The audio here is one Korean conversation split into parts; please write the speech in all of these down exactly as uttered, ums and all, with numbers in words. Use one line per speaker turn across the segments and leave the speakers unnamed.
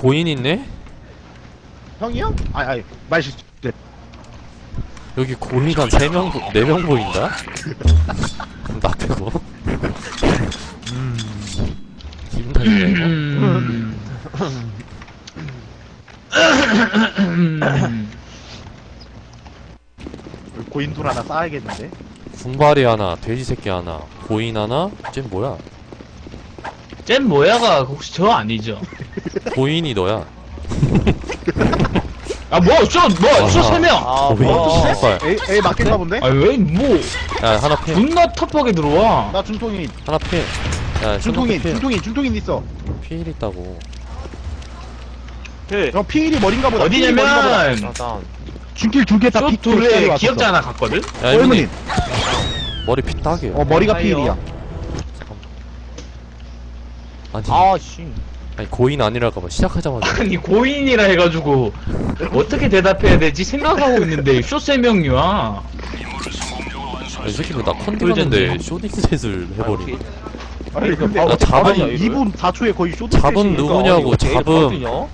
고인 있네?
형이요? 아니 아니 말실수. 네.
여기 고인 한 세 명, 네 명 보인다? 나 빼고.
음.
기분 탓이네, 이거.
음.
고인돌 하나 쌓아야겠는데.
분발이 하나, 돼지 새끼 하나, 고인 하나, 쟤 뭐야?
쟨 뭐야가 혹시 저 아니죠?
고인이 너야.
아 뭐, 저, 뭐, 저 세 명!
아,
고인
뭐.
씨발.
에이 에이 맞겠나 본데?
아, 왜, 뭐,
야, 하나 필.
존나 터프하게 들어와.
나 중통인
하나 필. 야,
중통인
필.
중통인 중통인 있어.
필 있다고.
그,
형 피일이 머린가 보다. 피일이 머린가 보다.
어디냐면,
일단,
중길 두 개다
쇼 둘에 기억자 하나 갔거든?
야,
어,
이모님. 머리 피 딱이야.
어 머리가
아이요.
피일이야.
아니,
아, 씨.
아니, 고인 아니랄까봐 시작하자마자.
아니, 고인이라 해가지고, 어떻게 대답해야 되지? 생각하고 있는데, 쇼 세 명이야.
야, 이 새끼 왜나 컨디 갔는데 쇼딩셋을 해버리네.
아니 근데
나 잡음-
아니 이 분 사 초에 거의 쇼트.
잡음 누구냐고, 잡음.
형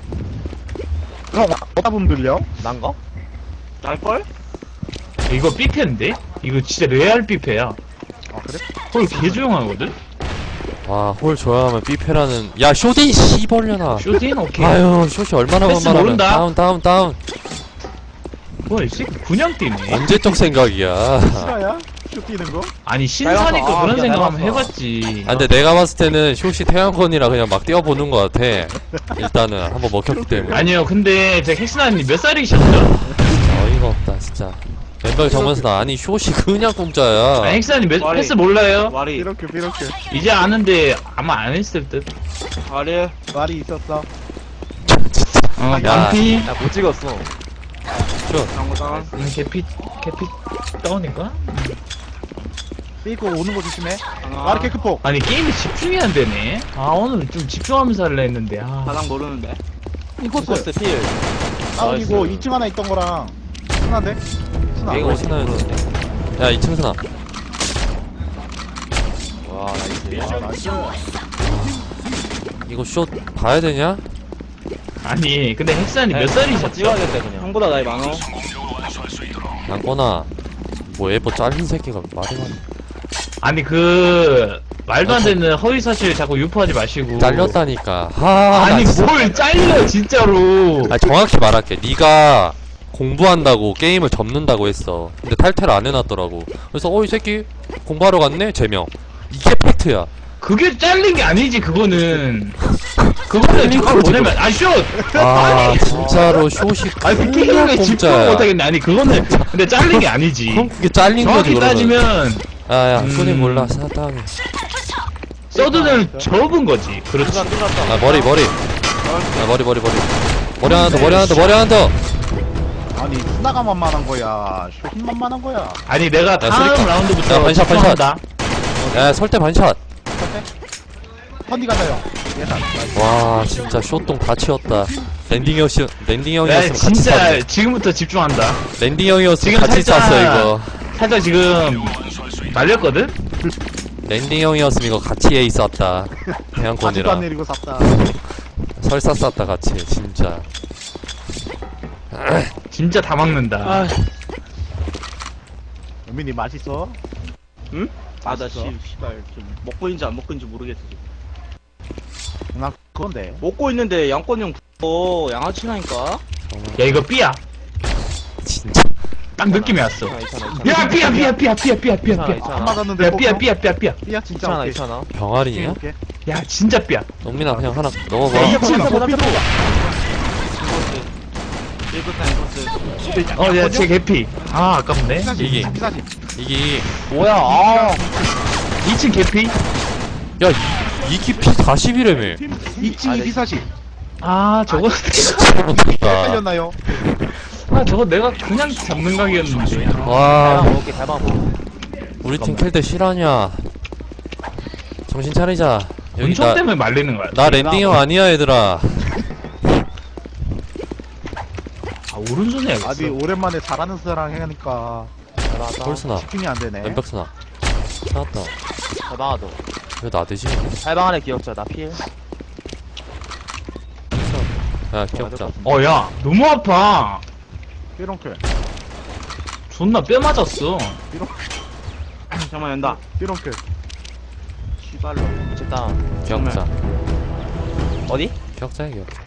잡음 들려?
난가? 날걸?
이거 삐패인데? 이거 진짜 레알 삐패야.
아 그래?
헐, 개 조용하거든?
와, 홀 좋아하면 삐페라는. 야, 쇼딩 씨벌려나.
쇼딘? 오케이.
아유, 쇼시 얼마나
패스
만만하면.
모른다.
다운, 다운, 다운.
뭐야, 이 새끼 그냥 뛰네.
언제적 생각이야.
실화야? 쇼 뛰는 거?
아니, 신사니까
아,
그런
미안,
생각 한번
닮았어.
해봤지.
아, 근데 내가 봤을 때는 쇼시 태양권이라 그냥 막 뛰어보는 것 같아. 일단은 한번 먹혔기 때문에.
아니요, 근데 제 헥스나님 몇 살이셨죠?
어이가 없다, 진짜. 멤버 정면서 아니, 쇼시 그냥 공짜야.
아니, 헥스나님 몇
말이-
패스 몰라요?
말이,
이렇게 이렇게
이제 아는데 아마 안 했을 듯.
말이.
말이 있었어.
어,
야.
반피.
나 못 찍었어.
쇼.
장구장.
음, 개피, 개피 다운인가?
삐고 오는 거 조심해.
하나.
마르케 크포.
아니, 게임에 집중이 안 되네. 아, 오늘 좀 집중하면서 할라 했는데, 아.
가장 모르는데.
이코스.
필.
다운이고
나이스.
이 층 하나 있던 거랑 순한데? 순아.
이거
신나요.
모르는데.
야, 이 층 스나.
와, 나이스.
아, 나이스.
이거 쇼 봐야 되냐?
아니, 근데 헥스나님
네,
몇 살이셨죠?
찍어야겠다, 그냥. 형보다 나이 많어.
양거나. 뭐 에버 잘린 새끼가 말이 많아.
아니, 그, 말도 안 되는 허위 사실 자꾸 유포하지 마시고.
잘렸다니까. 하.
아니,
나 진짜-
뭘 잘려, 진짜로.
아, 정확히 말할게. 네가 공부한다고 게임을 접는다고 했어. 근데 탈퇴를 안 해놨더라고. 그래서 어, 이 새끼 공부하러 갔네? 제명. 이게 팩트야.
그게 잘린 게 아니지, 그거는. 그거는 잠깐 뭐냐면, 아, 슛!
아, 진짜로 쇼시
아니, 그
그냥
게임에 집중
공짜야.
못하겠네. 아니, 그거는, 근데 잘린 게 아니지.
그럼 그게 잘린 거지,
정확히
그러면.
따지면,
야야,
음.
손이 몰라. 사다음에.
서든을 접은 거지. 그렇지.
뚫었다, 뚫었다.
아, 머리, 머리. 아, 머리, 머리, 머리. 머리 하나 더, 머리 하나 더, 머리 하나 더.
아니 순아가 만만한 거야. 쇼힌 만만한 거야.
아니, 내가 다음
쓰리카. 야,
라운드부터
반샷, 반샷.
집중한다.
야, 설대 반샷.
컨디 가자 형. 예산.
와, 진짜 쇼똥 다 치웠다. 랜딩 형이었, 랜딩
내가
형이었으면 같이
진짜
쌌네.
지금부터 집중한다.
랜딩 형이었으면
지금
같이
살짝-
쌌어, 이거.
살짝 지금 말렸거든?
랜딩 형이었으면 이거 같이 에이 쌌다.
아직도 안
대양권이랑.
내리고 샀다.
설사 쌌다, 같이. 진짜.
진짜 다 막는다.
아,
은민이 맛있어?
응? 아, 나
맛있어?
씨, 씨발. 좀 먹고 있는지 안 먹고 있는지 모르겠어. 지금.
나 그건데.
먹고 있는데 양권이 형 그거 양아치라니까?
야, 이거 B야.
진짜.
딱 느낌이 왔어.
있잖아, 있잖아, 있잖아.
야, B야, B야, B야, B야, B야, B야,
있잖아,
B야.
있잖아.
안 맞았는데.
야, B야,
뽀뽀?
B야, B야, B야.
삐야 진짜
있잖아,
오케이.
있잖아.
병아리냐?
오케이.
야, 진짜 B야.
농민아, 그냥 하나 넣어봐.
야, 이거
진짜 못 삐도.
일부터
어, 야, 제 개피. 아, 아깝네.
피사시.
이기.
피사시.
이게,
뭐야, 아.
이 층 개피.
야, 이 깊이 사십이라며.
이 층이
아,
피사시.
아, 저거,
진짜 못했다.
헷갈렸나요?
아, 저거 내가 그냥 잡는 각이었는데.
와,
잘 먹을게, 잘 먹어.
우리 팀 킬 때 실화냐. 정신 차리자. 여기
은총
나,
때문에 말리는 거야.
나 랜딩 형 아니야, 얘들아.
아, 오른손에
아니
해야겠어.
오랜만에 잘하는 사람 하니까
잘하다.
홀스나.
집중이 안 되네.
왼벽스나. 찾았다.
대박하다.
왜 나대지?
살방 안에 기억자, 나 필.
야 기억자.
어, 야, 너무 아파.
삐롱클.
존나 뼈 맞았어.
잠깐만 연다.
삐롱클.
씨발로.
일단
기억자.
어디?
기억자야 기억자.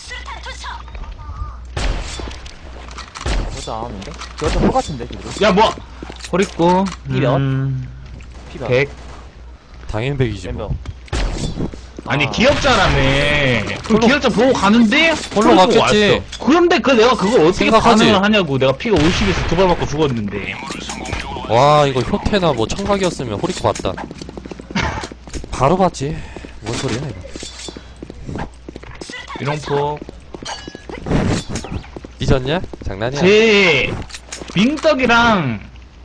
그것도 안 하는데? 그것도 홀 같은데 그래도
야, 뭐. 호리꼬.
이몇?
음,
피가
백.
당연히 백이지
멤버
뭐.
아니,
아.
기억자라며. 그 기억자 보고 가는데
홀로
호리꼬
갔겠지.
왔어. 그런데 그 내가 그걸 어떻게
생각하지.
반응을 하냐고. 내가 피가 오십에서 두 발 맞고 죽었는데.
와 이거 효태나 뭐 청각이었으면 호리코 봤다. 바로 봤지. 뭔 소리야 이거.
이롱포.
잊었냐? 장난이야.
제 민떡이랑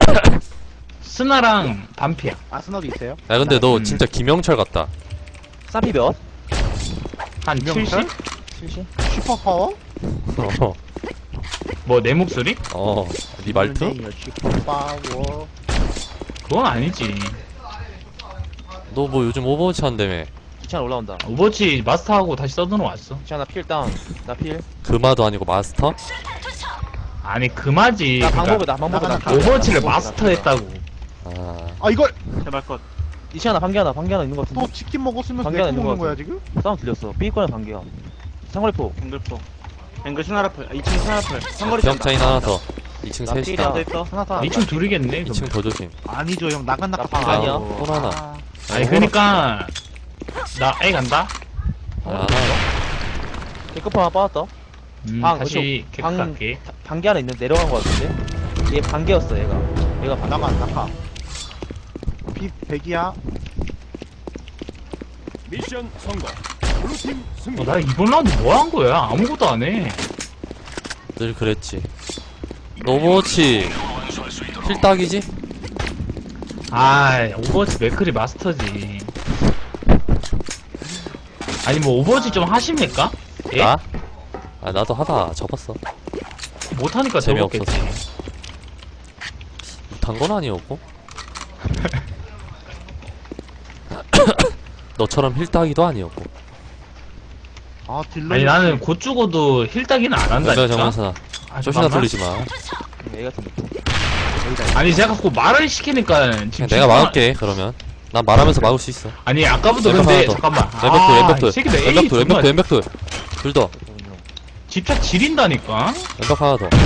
스나랑 반피야.
아스널이 있어요?
야 근데 너
음.
진짜 김영철 같다.
쌈피 몇?
한
김영철?
칠십?
칠십?
슈퍼파워?
어.
뭐 내 목소리?
어. 네 말투?
네, 슈퍼파워.
그건 아니지.
너 뭐 요즘 오버워치 한다며.
귀찮아 올라온다
오버워치 마스터하고 다시 서든으로 왔어.
귀찮아 필 다운 나필
금화도 아니고 마스터?
아니 그마지.
나
그러니까
방법이다 방법이다
나가, 나가.
오버워치를
방법이다.
마스터했다고.
아.
아 이걸
제발 컷.
이시아나 반개 하나 반개 하나 있는 거 같은데?
또 치킨 먹었으면서
관계가
내
있는
먹는
것
거야
같아.
지금?
싸움 들렸어 삐거나 반개야 상거리포
앵글포. 앵글 스나라플. 이 층 스나라플. 상거리
기억자인 하나 더. 이 층
나
셋이다.
필이야.
더 있어.
하나 더.
이 층 둘이겠네.
이 층 더 조심.
아니죠 형 나간 나가
나방 아니야.
또 하나.
아,
아니 그러니까 나 A 간다.
아,
개급포 하나 빠졌다
음,
방,
다시
그쪽,
객
방-
갈게.
반개 하나 있는 내려간 거 같은데? 얘 반개였어 얘가 얘가 반개
나가 나가. 비 백이야.
미션 성공. 블루팀 승리.
어, 나 이번 라운드 뭐 한 거야? 아무것도 안 해.
늘 그랬지. 너 오버워치 필딱이지?
아, 오버워치 맥크리 마스터지. 아니 뭐 오버워치 좀 하십니까? 예?
나? 아 나도 하다 접었어.
못하니까
재미없어서.
재미없겠지.
못한 건 아니었고. 너처럼 힐따기도 아니었고.
아 딜러.
아니 나는 곧 죽어도 힐 따기는 안
연별
한다니까.
정면사.
아,
조시나
잠깐만.
돌리지 마.
얘 같은 느낌
아니 제가 자꾸 말을 시키니까 지금
그냥 내가
진짜-
막을게 그러면. 난 말하면서 막을 수 있어.
아니 아까부터
왼벽
근데
하나 더.
잠깐만.
왼벽돌
아, 이
왼벽돌
새끼들 A
왼벽돌
정말
왼벽돌 왼벽돌 둘 더.
집착 지린다니까.
왼벽 하나 더.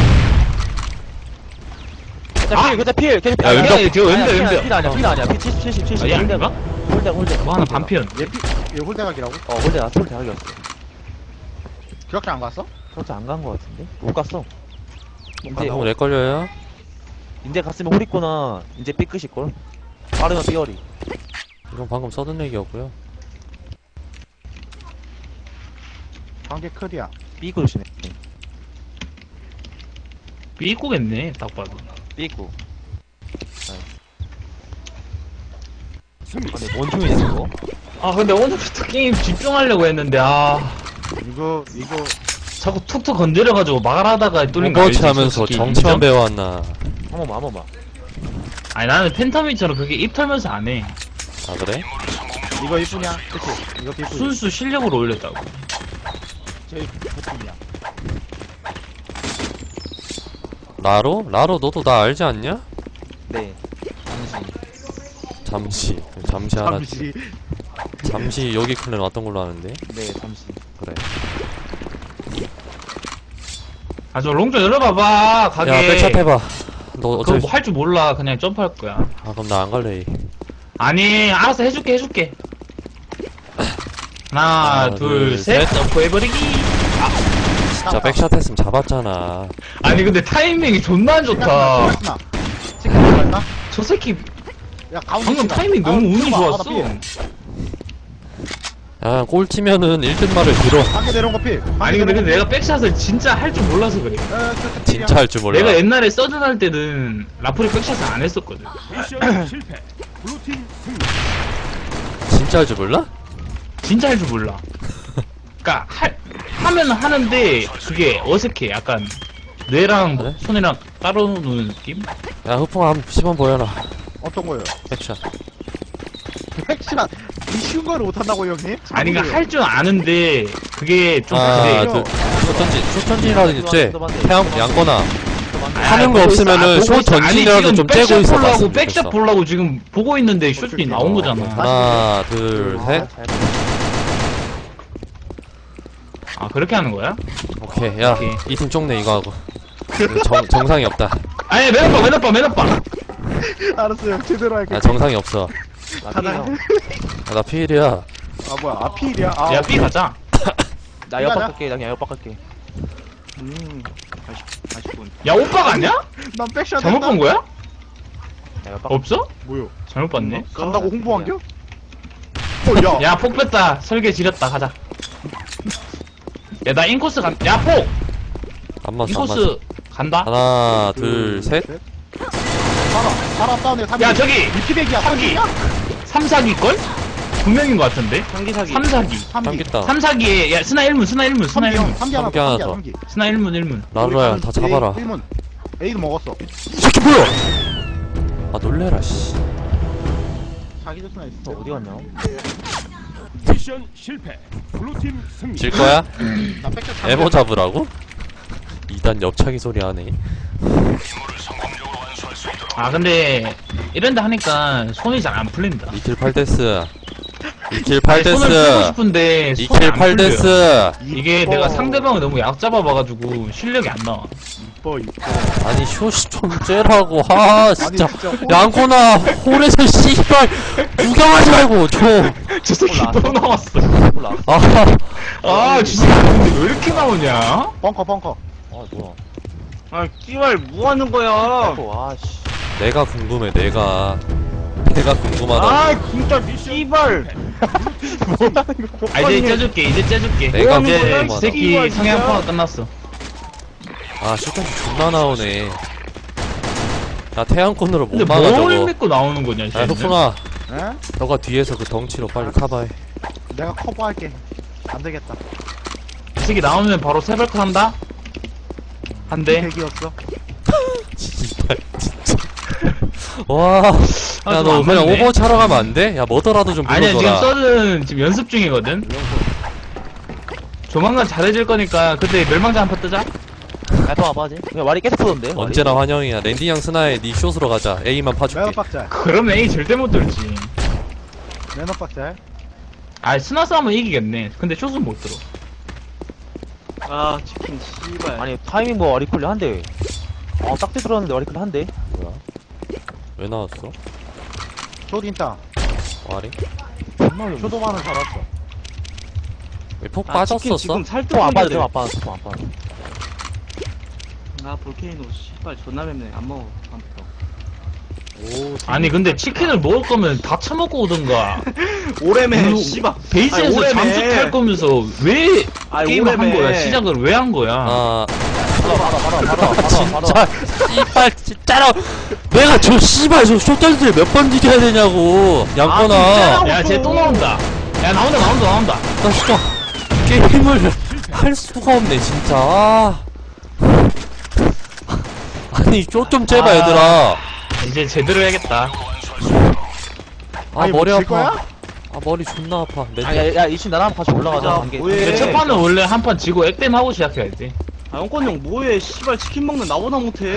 그자 필 그자 필 계속 필
야,
아니야.
왼벽.
야, 저 왼벽,
아니야,
왼벽.
필 아니야 필 아니야 필 칠십 칠십 칠십
아, 얘 아닌가?
홀대 홀대
뭐 하나 반피였.
얘피 얘 홀대각이라고?
어 홀대 나 홀대 하기였어
기억자 안 갔어?
그렇지 안 간 거 같은데? 못 갔어 이제
너무 렉 걸려요.
이제 갔으면 홀있구나 이제 삐끗일걸 빠르면 삐어리
이건 방금 써둔 얘기였고요.
관계 클이야.
삐끗 조심해
삐꾸겠네 딱 봐도.
삐끗
승리.
아 근데 뭔 총이냐 그거?
아 근데 오늘부터 게임 집중하려고 했는데 아
이거 이거
자꾸 툭툭 건드려가지고 말하다가 뚫린 거
오버워치
알지,
하면서
솔직히.
정치만
인정?
배워왔나.
한 번만 한 번만
아니 나는 팬텀이처럼 그렇게 입 털면서 안 해.
아 그래?
이거 이쁘냐? 그치? 이거 이쁘지?
순수 실력으로 올렸다고.
제일 좋품이야.
라로? 라로 너도 나 알지 않냐?
네 잠시
잠시 잠시 하나
잠시.
잠시 여기 클랜 왔던 걸로 아는데.
네 잠시
그래.
아 저 롱좀 열어봐봐 가게.
야 백샷 해봐. 너
그거
어차피
뭐 할 줄 몰라. 그냥 점프할 거야.
아 그럼 나 안 갈래.
아니 알아서 해줄게 해줄게. 하나
하나, 둘,
둘셋
셋.
점프 해버리기.
진짜 백샷 했으면 잡았잖아.
아니 근데 타이밍이 존나 안 좋다.
시간 시간 나
저 새끼
야 가운데
방금
시간.
타이밍 너무
아,
운이
봐, 아, 나
좋았어.
피해.
야 꼴찌면은 일 등 말을 들어.
관계 내려온 거 필.
아니 근데 근데 내가 백샷을 진짜 할 줄 몰라서 그래.
진짜 할 줄 몰라.
내가 옛날에 서든 할 때는 라프리 백샷을 안 했었거든.
미션 실패. 블루팀 승리.
진짜 할 줄 몰라?
진짜 할 줄 몰라. 그니까 할 하면 하는데 그게 어색해. 약간 뇌랑
그래?
손이랑 따로 노는 느낌?
야 흑풍아 한번 시범 보여라.
어떤 거요?
백샷.
핵시간 이 쉬운 거를 못 한다고 형님?
아니 그니까 할 줄 아는데 그게 좀
아,
그래.
그 쇼전진, 쇼전진이라든지
또 맞네.
태양 양거나
아,
하는 거
보고 있어.
없으면은
아, 보고
쇼
있어. 아니,
전진이라도
지금
좀
백샷
째고 있어
보려고
봤으면
백샷
좋겠어.
보려고 지금 보고 있는데 슛이 나온 거잖아.
하나, 둘, 셋.
아 그렇게 하는 거야?
오케이, 야,
오케이.
이 팀 쪽네 이거 하고. 정, 정상이 없다.
아니 맨 앞봐 맨 앞봐 맨 앞봐.
알았어요. 제대로 할게.
야, 정상이 없어.
하나.
야, 나 피일이야.
아 뭐야? 아필이야. 아,
야 B 가자.
나 옆박 갈게. 나 그냥 옆박 갈게.
음. 아쉽, 군
야 오빠가 아니야?
난 백샷.
잘못 본 거야?
나 옆박.
없어?
뭐요?
잘못 봤네.
간다고 홍보한 겨? 어, 야.
야 폭 뺐다. 설계 지렸다. 가자. 야 나 인코스 간. 야 폭.
안 맞어, 안 맞어.
인코스 간다.
하나, 둘, 셋.
살아. 살았다네. 삼.
야 저기
미키백이야.
삼기. 삼사기 걸? 두 명인 것 같은데.
상기 사기.
삼사기.
삼기.
삼겠다.
삼사기에 야 스나 일문 스나 일문 스나
삼기 형.
일문
삼기 하나
삼기
더.
하나
삼기
더.
삼기.
스나 일문 일문.
라루야, 다 잡아라.
일 문. A도 먹었어.
이 새끼 뭐야? 아, 놀래라, 씨.
자기 줬으나 있어.
너 어디 갔냐?
미션 실패. 블루팀 승리.
질 거야?
나 백샷.
에버 잡으라고? 이 단 옆차기 소리 하네.
아 근데 이런데 하니까 손이 잘 안 풀린다.
이 킬 팔 데스. 이 킬
아니,
팔
손을 풀고
데스.
싶은데
이
손이
킬
안
팔
풀려.
데스.
이게 내가 상대방을 너무 약 잡아봐가지고 실력이 안 나와.
이뻐 이뻐.
아니, 쇼시 좀 째라고. 아, 진짜.
아니, 진짜 홀-
양코나, 홀에서 씨발, 구경하지 말고, 좀.
저 새끼
몰라.
또 나왔어.
몰라.
아,
아 진짜 근데 왜 이렇게 나오냐?
벙커 벙커.
아 뭐야?
아, 씨발, 뭐 하는 거야?
아 씨.
내가 궁금해, 내가. 내가 궁금하다.
아, 진짜, 씨발.
아 이제 째줄게 이제 째줄게.
내가
이제
궁금하다.
이 새끼 성향 파가 끝났어.
아, 쇼까지 존나 나오네. 야, 태양권으로 못
근데
막아,
뭘
저거.
믿고 나오는 거냐
야,
쟤는?
흑풍아.
에?
너가 뒤에서 그 덩치로 빨리 카바해.
내가 커버할게. 안 되겠다.
이 새끼 나오면 바로 세발크 한다? 한대.
백이었어.
씨발, 진짜. 와.
아,
야,
좀
너
안
그냥
맞네.
오버워치 하러 가면 안 돼? 야, 뭐더라도 좀
아니야 지금
불러줘라.
썰은 지금 연습 중이거든. 조만간 잘해질 거니까 그때 멸망자 한판 뜨자.
야더 와봐지. 그냥 말이 계속 쏘던데. 말이.
언제나 환영이야. 랜디양 스나에 니 숏으로 가자. A만 파줄게.
매너 빡잘.
그러면 A 절대 못 들지.
매너 빡잘.
아 스나 싸움은 이기겠네. 근데 숏은 못 들어.
아, 치킨, 씨발.
아니 타이밍 뭐 와리클리 한대. 어 딱지 들었는데 와리클리 한대.
뭐야? 왜 나왔어?
쇼딘따.
와리?
쇼도만은 살았어.
왜 폭
아, 치킨
빠졌었어?
지금 살뜰
뽕안 빠져.
건데.
좀 안 빠져. 뽕안 빠져.
아, 볼케이노, 씨발, 존나 맵네. 안 먹어. 다음부터.
아니 근데 치킨을 먹을 거면 다 처먹고 오던가.
오래매,
그
씨발.
베이스에서
아니, 오래매.
잠수탈 거면서 왜
아니,
게임을 한
오래매.
거야? 시작을 왜 한 거야?
아,
바로 바로 바로 바로 바로
진짜. 씨발, 진짜로. 내가 저 씨발, 저 숏단들 몇 번 이겨야 되냐고. 양거나.
아,
야 쟤 또 나온다. 야 나온다 나온다 나온다.
나 진짜. 게임을 할 수가 없네, 진짜. 아. 아니, 숏좀 째봐,
아.
얘들아.
이제 제대로 해야겠다.
아,
아니,
머리
뭐질
아파.
거야?
아, 머리 존나 아파. 내
야야 이친 나랑 같이 올라가자.
야,
관계.
뭐해.
근데 첫 판은 원래 한 판 지고 액땜 하고 시작해야지.
아, 영권 형, 뭐해. 씨발, 치킨 먹는 나보다 못해.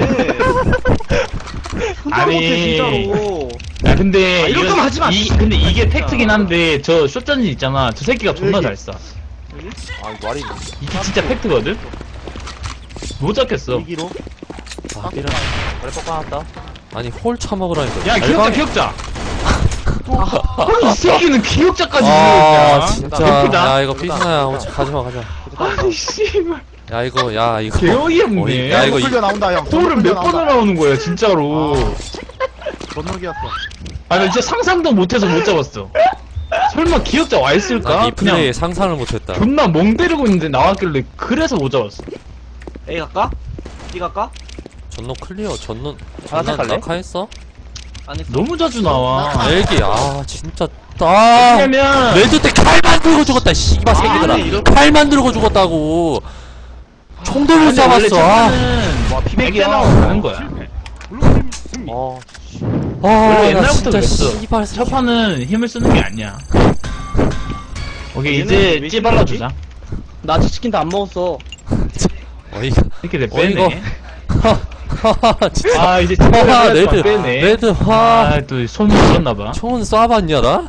혼자
아니.
못해, 진짜로.
야 근데
아, 이럴
이거-
거면 하지 마,
이,
진짜.
근데 이게 팩트긴 한데 저 숏전진 있잖아. 저 새끼가 존나
여기.
잘 쏴.
아 이거 말이.
이게 진짜 팩트거든. 못 잡겠어.
이기로.
아, 이런.
머리 뻑 까놨다.
아니, 홀 처먹으라니까.
야 기억자 기억자. 아니 이 새끼는 기억자까지
아,
지었냐?
진짜.
예쁘다.
야, 이거 삐스나야. 어, 가지마, 가지마.
아니 씨발.
야, 이거, 야, 이거.
개어이
어이,
없네.
야, 이거 이-
풀려 나온다 형.
홀을 몇 번을 나오는 거야 진짜로.
전록이었어.
아, 나 진짜 상상도 못해서 못 잡았어. 설마 기억자 와 있을까?
난이
그냥
플레이에 상상을 못했다.
존나 멍 때리고 있는데 나왔길래 그래서 못 잡았어.
A 갈까? B 갈까?
전노 클리어, 전노,
하나
전노
갈래?
낙하했어?
안 했어.
너무 자주 나와.
엘기, 아, 진짜. 아,
왜냐면
레드 때 칼만 들고 죽었다, 씨발 새끼들아.
아니, 이런-
칼만 들고 죽었다고. 총도 못
근데 원래
잡았어. 아,
첫판은
와 피백이야.
액땜하고 가는 거야.
실패. 블루팀 승리.
어.
아,
원래
나
옛날부터
진짜
그랬어.
씨발
첫 판은 힘을 쓰는 게 아니야. 오케이
얘는
이제
왜
찌 발라주자.
나 아직 치킨 다 안 먹었어.
어이가
이렇게 내
어이가
빼네.
진짜
아 이제
와
진짜
레드
빼네.
레드 와
아또 손이 들었나봐.
총은 쏴봤냐 나?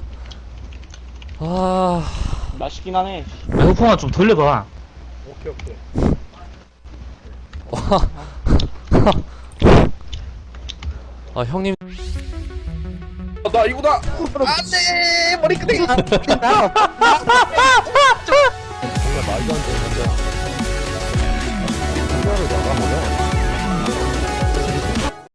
아
맛있긴 하네.
야, 후풍아 좀 돌려봐.
와. 아 형님
나 이거다. 안돼 머리끄댕이.